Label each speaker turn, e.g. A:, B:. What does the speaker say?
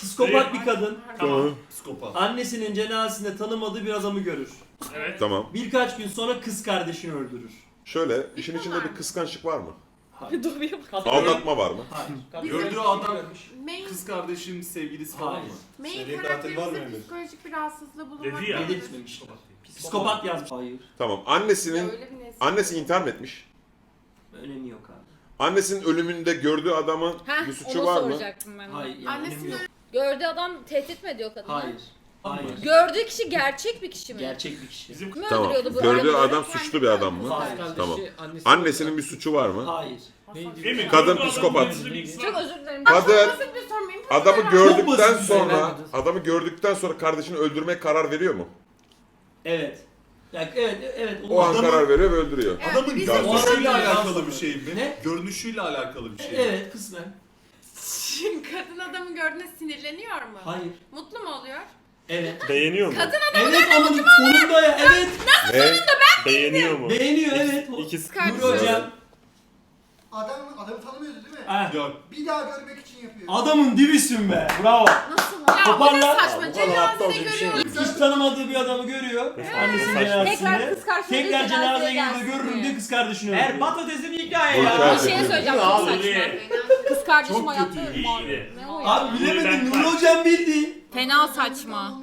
A: Psikopat bir kadın
B: Tamam.
C: Psikopat.
A: annesinin cenazesinde tanımadığı bir adamı görür.
B: Evet.
D: Tamam.
A: Birkaç gün sonra kız kardeşini öldürür.
D: Şöyle, işin içinde bir kıskançlık var mı?
A: Hayır.
E: Doğruya bak.
D: Aldatma var mı?
A: Hayır.
C: Gördüğü adam
F: Main,
C: kız kardeşim sevgilisi falan
A: Hayır.
C: mı?
F: main
G: Seri katil var mı
F: karakterimizde
G: Emir?
F: psikolojik bir rahatsızlığı bulunmak
B: Dedi ya.
F: vardır.
A: Belirtmemişler. Psikopat yazmış. Hayır.
D: Tamam.
F: Ya
D: Annesinin
F: öyle bir nesil.
D: annesi intihar mı etmiş?
A: Önemi yok abi.
D: Annesinin ölümünde gördüğü adamın
E: Heh,
D: bir suçu
E: onu
D: var mı?
E: soracaktım ben. de.
A: Hayır. Yani
F: Annesinin
A: önemi yok.
E: Gördüğü adam tehdit mi ediyor kadını?
A: Hayır. Hayır.
E: Gördüğü kişi gerçek bir kişi mi?
A: Gerçek bir kişi.
B: Bizim
E: Kim
D: Tamam.
E: öldürüyordu bu
D: Gördüğü
E: adamı?
D: adam suçlu bir adam mı?
A: Hayır.
D: Tamam. Annesinin bir suçu var mı?
A: Hayır.
B: Emin,
D: Kadın
B: bu
D: psikopat.
B: adamın bir-
E: Çok özür dilerim.
D: Kadın
F: Basit bir soru muyum?
D: adamı
A: Çok
D: gördükten
A: basit bir şey,
D: sonra
A: ben-
D: adamı gördükten sonra kardeşini öldürmeye karar veriyor mu?
A: Evet. Ya, evet, evet.
D: O an
C: Adamı-
D: karar veriyor ve öldürüyor.
F: Evet,
C: Adamın
F: bizim-
C: görünüşüyle
A: O adam-
C: alakalı bir şey mi?
A: Ne?
C: Görünüşüyle alakalı bir şey mi?
A: Evet, kısmen.
F: Şimdi kadın adamı gördüğünde sinirleniyor mu?
A: Hayır.
F: Mutlu mu oluyor?
A: Evet.
G: Beğeniyor mu?
A: Evet ama sonunda ya. Evet.
D: Ne?
G: Beğeniyor mu?
A: Beğeniyor evet.
G: İkisi
A: Nuri hocam.
H: Adamı tanımıyordu değil mi?
A: Ha.
C: Yok.
H: Bir daha görmek için yapıyor.
A: Adamın dibisin be. Bravo.
F: Nasıl? Ya bu
A: Toparla.
F: ne
G: Ya,
F: saçma.
G: bu kadar aptalca
F: Cenazede
G: bir şey mi?
F: görüyoruz.
A: Hiç tanımadığı bir adamı görüyor. Annesinin
G: Saçma.
A: cenazesinde.
E: Tekrar kız kardeşine
A: Tekrar cenazeye
E: gelsin
A: girdiğinde
E: diye.
A: görürüm diye kız kardeşini öldürüyor.
I: Patatesin hikaye
D: Bu
I: ya.
D: hikaye
E: Bir şey
D: kötü.
E: söyleyeceğim
B: Ne
E: çok
B: oldu
E: saçma.
B: diye.
E: Kız kardeşim
C: Çok
E: hayatta
C: kötü.
E: mal.
B: İyi.
E: Ne o ya?
A: Abi bilemedin Nuri hocam bildi.
E: Fena saçma.